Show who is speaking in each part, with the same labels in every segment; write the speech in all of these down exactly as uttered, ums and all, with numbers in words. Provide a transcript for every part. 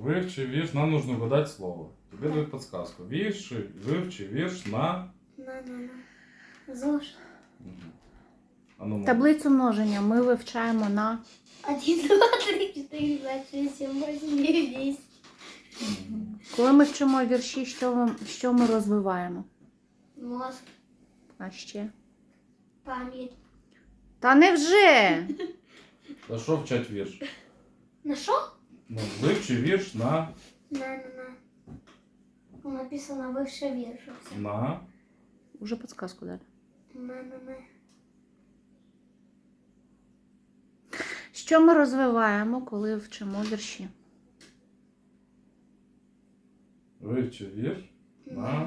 Speaker 1: Вивчи вірш, нам нужно угадать слово. Тебе дают подсказку. Вірши, вивчи вірш на...
Speaker 2: На, на, на. ЗОЖ.
Speaker 1: Мгм. А ну,
Speaker 3: Таблицю множення ми вивчаємо на...
Speaker 2: Один, два, три, четыре, пять, шесть, семь, восемь, девять, десять.
Speaker 1: Мгм.
Speaker 3: Коли ми вчимо вірші, що, ми- що ми розвиваємо?
Speaker 2: Мозг,
Speaker 3: А ще?
Speaker 2: память.
Speaker 3: Та невже?
Speaker 1: Та що вчать вірш?
Speaker 2: На что?
Speaker 1: Ну, вивчи вірш на...
Speaker 2: На, на, на. Ну, написано выше вверх.
Speaker 1: На...
Speaker 3: Уже підсказку дали.
Speaker 2: На, на, на.
Speaker 3: Що ми розвиваємо, коли вчимо вірші?
Speaker 1: Вивчи вірш на...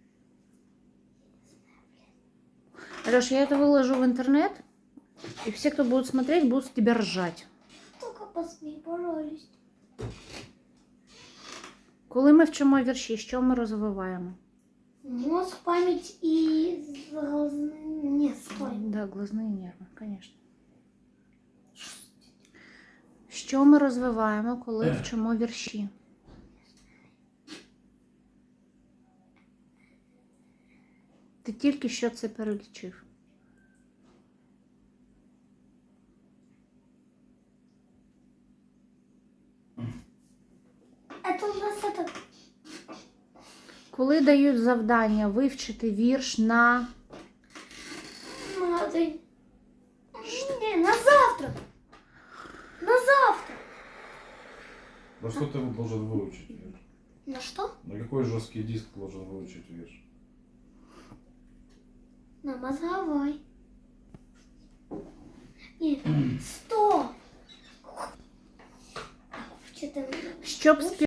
Speaker 3: Алёш, я это выложу в интернет, и все, кто будут смотреть, будут с тебя ржать.
Speaker 2: Только посмей, пожалуйста.
Speaker 3: Коли ми вчимо вірші, що ми розвиваємо?
Speaker 2: Мозг, память и... глазные- Нет, стой.
Speaker 3: Да, глазные нерви, конечно. Що ми розвиваємо, коли вчимо вірші? Ти тільки що це перелічив.
Speaker 2: Это у нас это...
Speaker 3: Коли дають завдання вивчити вірш на...
Speaker 2: Надо... Не, на завтра. На завтра.
Speaker 1: Да что ты должен выучить вірш?
Speaker 2: На что?
Speaker 1: На какой жесткий диск должен выучить вірш?
Speaker 2: На мозговой. Нет, сто. Что-то...
Speaker 3: Щоб спів...